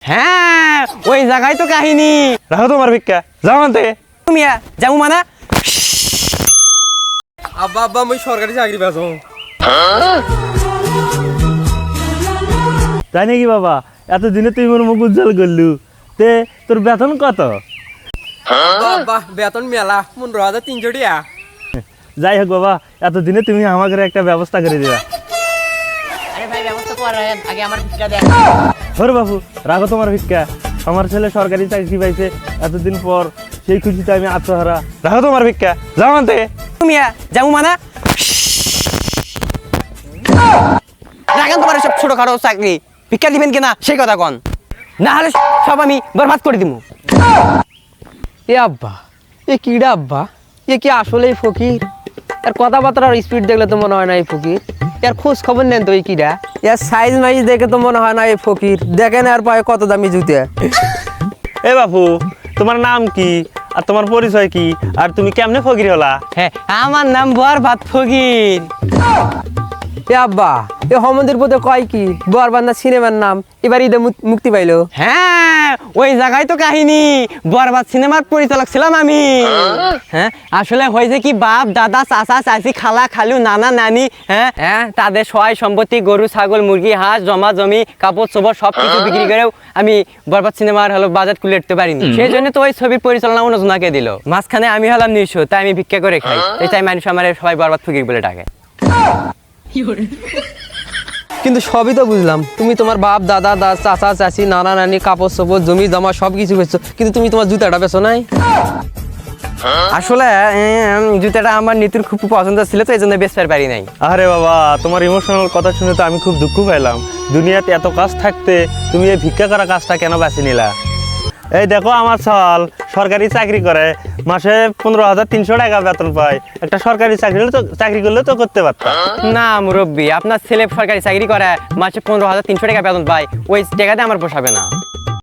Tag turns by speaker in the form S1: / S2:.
S1: হ্যাঁ ওই জায়গায় তো কাহিনী।
S2: রাখো তোমার ভিক্ষা, যাও আনতে।
S1: তুমি যাবো মানা।
S3: আব্বা আব্বা আমি সরকারি চাকরি পাবো।
S2: তাই নাকি বাবা? এতদিনে তুই মোর মুখ উজ্জ্বল করলু। তে তোর বেতন কত?
S3: আব্বা বেতন মেলা 15,300 টাকা।
S2: যাই হোক বাবা, এতদিনে তুমি আমাকে একটা ব্যবস্থা করে দিবা।
S1: আরে ভাই ব্যবস্থা করেন, আগে আমার ভিক্ষা দেন।
S2: ওরে বাবু, রাখো তোমার ভিক্ষা। আমার ছেলে সরকারি চাকরি পাইছে এতদিন পর, সেই খুশিতে আমি আত্মহারা। রাখো তোমার ভিক্ষা, যাও আনতে।
S1: তুমি যাবো মানা। রাখেন তোমার সব ছোটখাটো চাকরি, ভিক্ষা দিবেন কিনা সেই কথা কন, না হলে সব আমি বরবাদ করে দিব।
S4: এ আব্বা, এ কিডা আব্বা? এ কি আসলেই ফকির? এর কথাবার্তার স্পিড দেখলে তো মনে হয় না এই ফকির। এর খোঁজ খবর নেন তো এই কিডা? এর সাইজ মাইজ দেখে তো মনে হয় না এই ফকির। দেখেন আর পায়ে কত দামি জুতে।
S2: এ বাপু, তোমার নাম কি আর তোমার পরিচয় কি, আর তুমি কেমনে ফকির হলা?
S1: হ্যাঁ আমার নাম বরবাদ ফকির।
S4: এ আব্বা, এ হমন্দির পথে কয় কি বরবান্দা সিনেমার নাম এবার ঈদে মুক্তি পাইলো।
S1: হ্যাঁ ওই জায়গায় তো কাহিনী, বরবাদ সিনেমার পরিচালক ছিলাম আমি। হ্যাঁ আসলে হয়েছে কি, বাপ দাদা চাচা চাচি খালা খালু নানা নানি, হ্যাঁ তাদের সহায় সম্পত্তি গরু ছাগল মুরগি হাঁস জমা জমি কাপড় চোপড় সব কিছু বিক্রি করেও আমি বরবাদ সিনেমার বাজেট খুলে উঠতে পারিনি। সেই জন্য তো ওই ছবির পরিচালনা অন্যজনকে দিল। মাঝখানে আমি হলাম নিঃস্ব, তাই আমি ভিক্ষা করে খাই। তাই মানুষ আমার সবাই বরবাদ ফকির বলে ডাকে।
S4: কিন্তু সবই তো বুঝলাম, তুমি তোমার বাপ দাদা চাচা চাচি নানা নানি কাপড় চোপড় জমি জমা সব কিছু বেচছো, কিন্তু তুমি তোমার জুতাটা বেচো নাই।
S1: আসলে জুতাটা আমার নিতুর খুব পছন্দ ছিল, তো এই জন্য বেচতে পারি নাই।
S2: আরে বাবা, তোমার ইমোশনাল কথা শুনে তো আমি খুব দুঃখ পাইলাম। দুনিয়াতে এত কাজ থাকতে তুমি এই ভিক্ষা করা কাজটা কেন বেছে নিলা? এই দেখো, আমার সাল সরকারি চাকরি করে, মাসে 15,300 টাকা বেতন পায়। একটা সরকারি চাকরি করলে তো করতে পারতাম।
S1: না মুরব্বী, আপনার ছেলে সরকারি চাকরি করে, মাসে 15,300 টাকা বেতন পায়, ওই টাকাতে আমার পোষাবে না।